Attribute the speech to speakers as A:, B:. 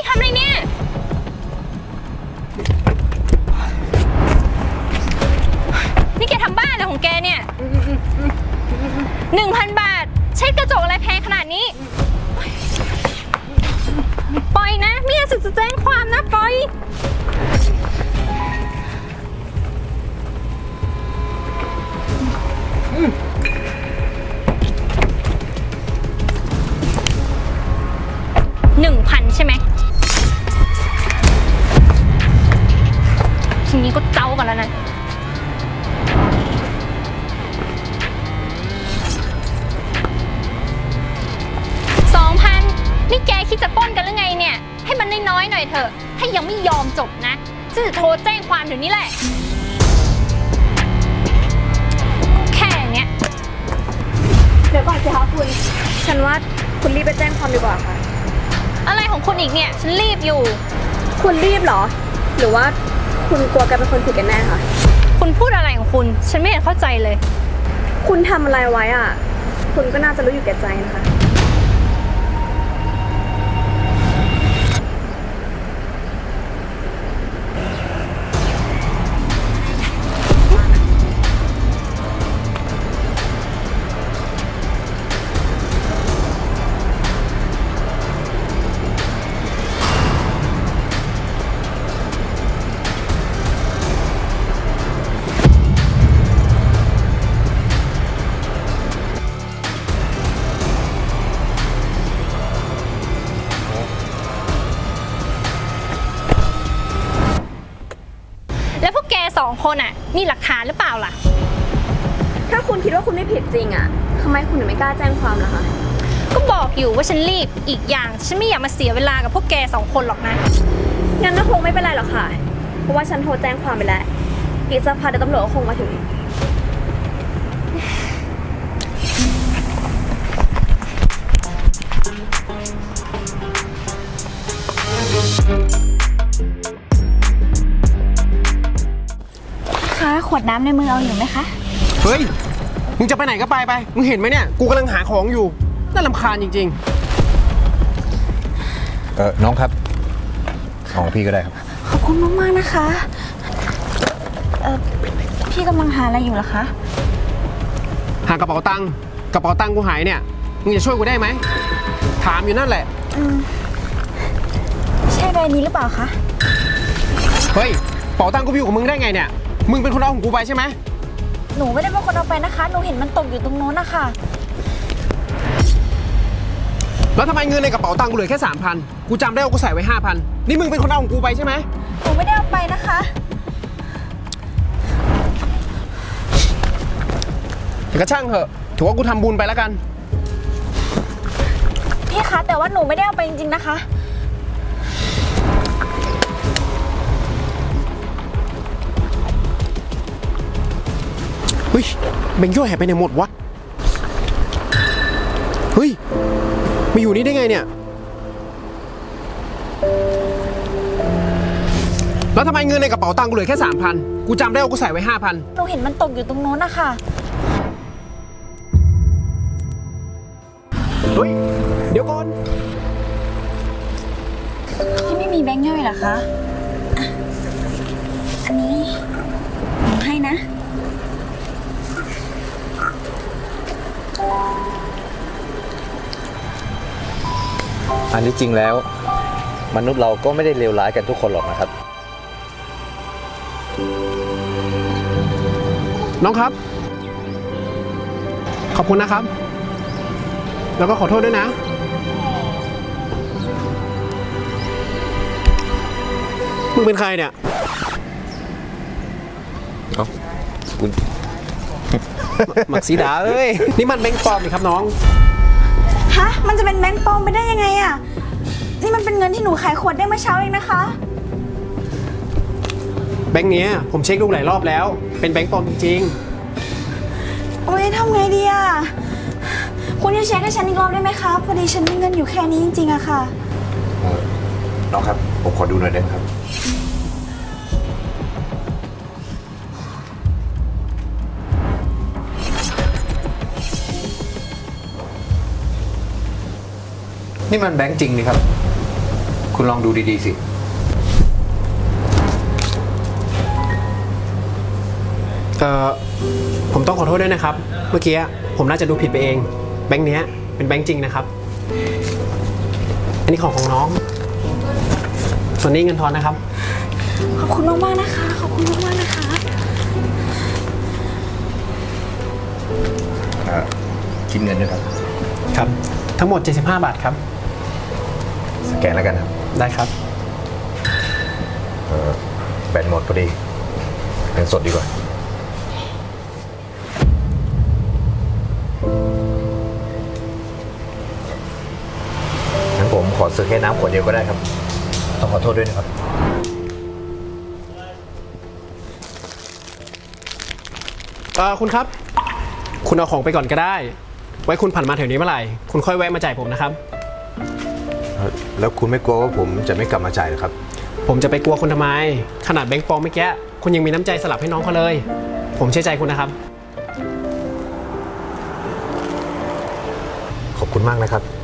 A: ทำอะไรเนี่ยนี่แกทำบ้าอะไรของแกเนี่ย1,000 บาทเช็ดกระจกอะไรแพงขนาดนี้ปล่อยนะไม่งั้นจะแจ้งความนะปล่อย1,000ใช่ไหมทีนี้ก็เจ้ากันแล้วนะ2,000นี่แกคิดจะปล้นกันหรือไงเนี่ยให้มันน้อยๆหน่อยเถอะถ้ายังไม่ยอมจบนะจะโทรแจ้งความเดี๋ยวนี้แหละแค่เนี้ย
B: เดี๋ยวก่อนสิคะคุณฉันว่าคุณรีบไปแจ้งความดีกว่าค่ะ
A: อะไรของคุณอีกเนี่ยฉันรีบอยู่
B: คุณรีบเหรอหรือว่าคุณกลัวแกเป็นคนผิดกันแน่คะ
A: คุณพูดอะไรของคุณฉันไม่เห็นเข้าใจเลย
B: คุณทำอะไรไว้อ่ะคุณก็น่าจะรู้อยู่แก่ใจนะคะ
A: แล้วพวกแก2 คนอ่ะมีหลักฐานหรือเปล่าล่ะ
B: ถ้าคุณคิดว่าคุณไม่ผิดจริงอ่ะทำไมคุณถึงไม่กล้าแจ้งความล่ะคะ
A: ก็บอกอยู่ว่าฉันรีบอีกอย่างฉันไม่อยากมาเสียเวลากับพวกแก2 คนหรอกนะ
B: งั้นก็คงไม่เป็นไรหรอกค่ะเพราะว่าฉันโทรแจ้งความไปแล้วอีกสักพักเดี๋ยวตำรวจก็คงมาถึง
C: คะขวดน้ำในมือเอาอยู่ไหมคะ
D: เฮ้ยมึงจะไปไหนก็ไปมึงเห็นไหมเนี่ยกูกำลังหาของอยู่น่ารำคาญจริง
E: น้องครับของพี่ก็ได้ครับ
C: ขอบคุณมากๆนะคะพี่กำลังหาอะไรอยู่เหรอคะ
D: หากระเป๋าตังค์กูหายเนี่ยมึงจะช่วยกูได้ไหมถามอยู่นั่นแหละ
C: ใช่ใบนี้หรือเปล่าคะ
D: เฮ้ยกระเป๋าตังค์กูอยู่กับมึงได้ไงเนี่ยมึงเป็นคนเอาของกูไปใช่ไหม
C: หนูไม่ได้เป็นคนเอาไปนะคะหนูเห็นมันตกอยู่ตรงโน้นนะคะ
D: แล้วทำไมเงินในกระเป๋าตังค์กูเหลือแค่ 3,000กูจำได้ว่ากูใส่ไว้ 5,000นี่มึงเป็นคนเอาของกูไปใช่ไหม
C: หนูไม่ได้เอาไปนะคะ
D: แต่ก็ช่างเถอะถือว่ากูทำบุญไปแล้วกัน
C: พี่คะแต่ว่าหนูไม่ได้เอาไปจริงๆนะคะ
D: เฮ้ยแบงค์ย่อยหายไปไหนหมดวะเฮ้ยมาอยู่นี่ได้ไงเนี่ยแล้วทำไมเงินในกระเป๋าตังค์กูเหลือแค่ 3,000กูจำได้ว่ากูใส่ไว้ 5,000
C: หนูเห็นมันตกอยู่ตรงโน้นนะคะ
D: เฮ้ยเดี๋ยวก่อน
C: พี่ไม่มีแบงค์ย่อยเหรอคะอันนี้หนูให้นะ
E: อันที่จริงแล้วมนุษย์เราก็ไม่ได้เลวร้ายกันทุกคนหรอกนะครับ
D: น้องครับขอบคุณนะครับแล้วก็ขอโทษด้วยนะมึงเป็นใครเนี่ย
E: คุณ
D: หมักสีดาเอ้ยนี่มันแบงค์ปลอมนี่ครับน้อง
C: ฮะมันจะเป็นแบงค์ปลอมไปได้ยังไงอะนี่มันเป็นเงินที่หนูขายขวดได้เมื่อเช้าเองนะคะ
D: แบงค์เนี้ยผมเช็คดูหลายรอบแล้วเป็นแบงค์ปลอมจริง
C: โอ้ยทำไงดีอะคุณจะเช็คให้ฉันอีกรอบได้ไหมคะพอดีฉันมีเงินอยู่แค่นี้จริงๆอะค่ะ
E: น้องครับผมขอดูหน่อยได้ไหมครับนี่มันแบงค์จริงนี่ครับคุณลองดูดีๆสิ
D: ผมต้องขอโทษด้วยนะครับ เมื่อกี้ผมน่าจะดูผิดไปเอง แบงค์เนี้ยเป็นแบงค์จริงนะครับ อันนี้ของน้อง ส่วนนี้เงินทอนนะครับ
C: ขอบคุณมากๆนะคะ ขอบคุณมากๆนะคะ
E: คิดเงินด้วยครับ
D: ครับ ทั้งหมด 75 บาทครับ
E: สแกนแล้วกันครับ
D: ได้ครับ
E: แบตหมดพอดีเงินสดดีกว่า งั้นผมขอซื้อแค่น้ำขวดเดียวก็ได้ครับ ต้องขอโทษด้วยนะครับ
D: คุณครับ คุณเอาของไปก่อนก็ได้ ไว้คุณผ่านมาแถวนี้เมื่อไหร่ คุณค่อยแวะมาจ่ายผมนะครับ
E: แล้วคุณไม่กลัวว่าผมจะไม่กลับมาจ่ายหรอครับ
D: ผมจะไปกลัวคุณทำไม ขนาดแบงค์ปลอมเมื่อกี้คุณยังมีน้ำใจสลับให้น้องเขาเลย ผมเชื่อใจคุณนะครับ
E: ขอบคุณมากนะครับ